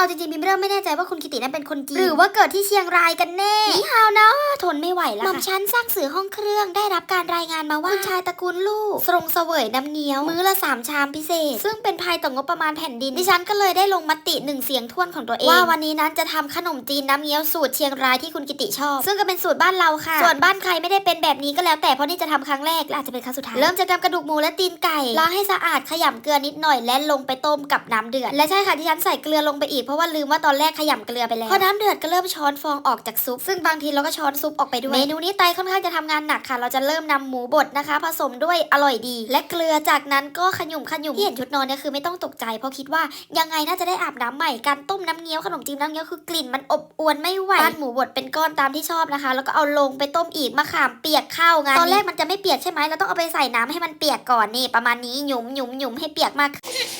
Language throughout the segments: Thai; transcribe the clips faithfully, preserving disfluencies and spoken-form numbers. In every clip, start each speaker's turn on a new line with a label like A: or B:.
A: เอาจริงๆบิมเริ่มไม่แน่ใจว่าคุณกิตินั้นเป็นคนจีนหรือว่าเกิดที่เชียงรายกันแน่นี่ฮาวนะทนไม่ไหวแล้วค่ะหม่อมชั้นสร้างสื่อห้องเครื่องได้รับการรายงานมาว่าคุณชายตระกูลลู่ทรงเสวยน้ำเงี้ยวมื้อละสามชามพิเศษซึ่งเป็นภัยต่องบประมาณแผ่นดินดิฉันก็เลยได้ลงมติหนึ่งเสียงท่วนของตัวเองว่าวันนี้นั้นจะทำขนมจีนน้ำเงี้ยวสูตรเชียงรายที่คุณกิติชอบซึ่งก็เป็นสูตรบ้านเราค่ะส่วนบ้านใครไม่ได้เป็นแบบนี้ก็แล้วแต่เพราะนี่จะทำครั้งแรกและอาจจะเป็นครั้งสุดท้ายเริ่มจากนำกระดูกหมูและตีนไก่ล้างให้สะอาดขยำเกลือนิดหน่อยและลงไปต้มกับน้ำเดือดและใช่ค่ะที่ฉันใส่เกลือลงไปอีกเพราะว่าลืมว่าตอนแรกขยำเกลือไปแล้วพอน้ำเดือดก็เริ่มช้อนฟองออกจากซุปซึ่งบางทีเราก็ช้อนซุปออกไปด้วยเมนูนี้ไตค่อนข้างจะทำงานหนักค่ะเราจะเริ่มนำหมูบดนะคะผสมด้วยอร่อยดีและเกลือจากนั้นก็ขยุ่มขยุ่มที่เห็นชุดนอนเนี่ยคือไม่ต้องตกใจเพราะคิดว่ายังไงน่าจะได้อาบน้ำใหม่การต้มน้ำเงี้ยวขนมจีนน้ำเงี้ยวคือกลิ่นมันอบอวนไม่ไหวปั้นหมูบดเป็นก้อนตามที่ชอบนะคะแล้วก็เอาลงไปต้มอีกมะขามเปียกเข้างานตอนแรกมันจะไม่เปียกใช่ไหมเราต้องเอาไปใส่น้ำให้มันเปียกก่อนนี่ประมาณนี้หยุมหยุมหยุมให้เปียกมาก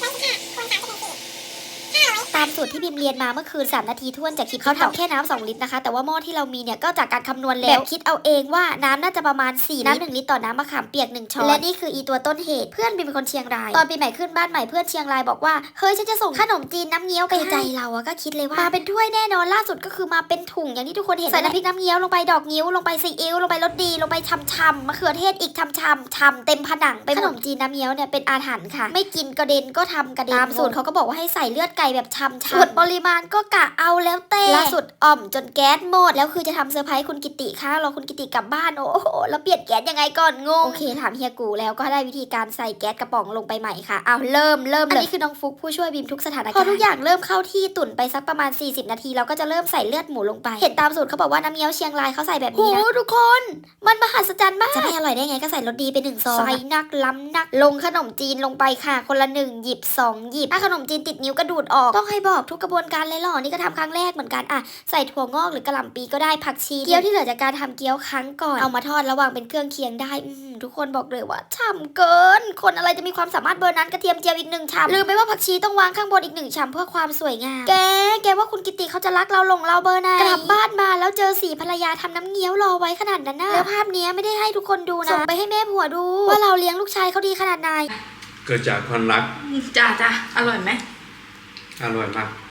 A: ตามสูตรที่บิมเรียนมาเมื่อคืนสามนาทีท่วนจากคลิปเขาทำแค่น้ำสองลิตรนะคะแต่ว่าหม้อที่เรามีเนี่ยก็จากการคำนวณแล้วคิดเอาเองว่าน้ำน่าจะประมาณสี่น้ำหนึ่งลิตรต่อน้ำมะขามเปียกหนึ่งช้อนและนี่คืออีตัวต้นเหตุเพื่อนบิมเป็นคนเชียงรายตอนปีใหม่ขึ้นบ้านใหม่เพื่อนเชียงรายบอกว่าเฮ้ยฉันจะส่งขนมจีนน้ำเงี้ยวไปใจเราอะก็คิดเลยว่ามาเป็นถ้วยแน่นอนล่าสุดก็คือมาเป็นถุงอย่างที่ทุกคนเห็นใส่น้ำพริกน้ำเงี้ยวลงไปดอกงิ้วลงไปซีอิ๊วลงไปรสดีลงไปช่ำๆมะเขือเทศอีกช่ำๆช่ำเต็มผนังไปขนมจีนน้ำเงี้ยวเนี่ยเป็นอาถรรพ์ค่ะไม่กินกระเด็นก็ทำกระเด็นตามสูตรเขาก็บอกว่าให้ใส่เลือดไก่แบบช่ำๆส่วนปริมาณก็กะเอาแล้วแต่ล่าสุดอ่อมจนแก๊สหมดแล้วคือจะทำเซอร์ไพรส์คุณกิติค่ะรอคุณกิติกลับบ้านโอ้โหแล้วเปลี่ยนแก๊สยังไงก่อนงงโอเคถามเฮียกูแล้วก็ได้วิธีการใส่แก๊สกระป๋องลงไปใหม่ค่ะเอาเริ่มเริ่มอันนี้คือน้องฟุกผู้ช่วยบีมทุกสถานการณ์พอทุกอย่างเริ่มเข้าที่ตุ๋นไปสักประมาณสี่สิบนาทีเราก็จะเริ่มใส่เลือดหมูลงไปเห็นตามสูตรเขาบอกว่าน้ำเงี้ยวเชียงรายเขาใส่แบบนี้นะทุกคนมันมหัศจรรย์มากจะไม่อร่อยได้ไงก็ใส่รสดีไปหนึ่งซองใส่นักล้ำนักลงขนมจีนลงไปค่ะคนละหนึ่งหยิบสองหยิบถ้าขนมจีนติดนิ้วก็ดูดออกต้องให้บอกทุกกระบวนการเลยหรอนี่ก็ทำครั้งแรกเหมือนกันอ่ะใส่ถั่วงอกหรือกระหล่ำปีก็ได้ผักชีเกี๊ยวที่เหลือจากการทำเกี๊ยวครั้งก่อนเอามาทอดระหว่างเป็นเครื่องเคียงได้ทุกคนบอกเลยว่าฉ่ำเกินคนอะไรจะมีความสามารถเบอร์นั้นกระเทียมเจียวอีกหนึ่งชามลืมไปว่าผักชีต้องวางข้างบนอีกหนึ่งชามเพื่อความสวยงามแกแกว่าคุณกิติเขาจะรักเราหลงเราเบอร์ไหนกลับบ้านมาแล้วเจอสีภรรยาทำน้ำเงี้ยวรอไว้ขนาดนั้นนะแล้วภาพนี้ไม่ได้ให้ทุกคนดูนะส่งไปให้แม่ผัวดูว่าเราเลี้ยงลูกชายเขาดีขนาดไหน
B: เกิดจากความรัก
C: จ้าจ้าอร่อยไหม
B: อร่อยมาก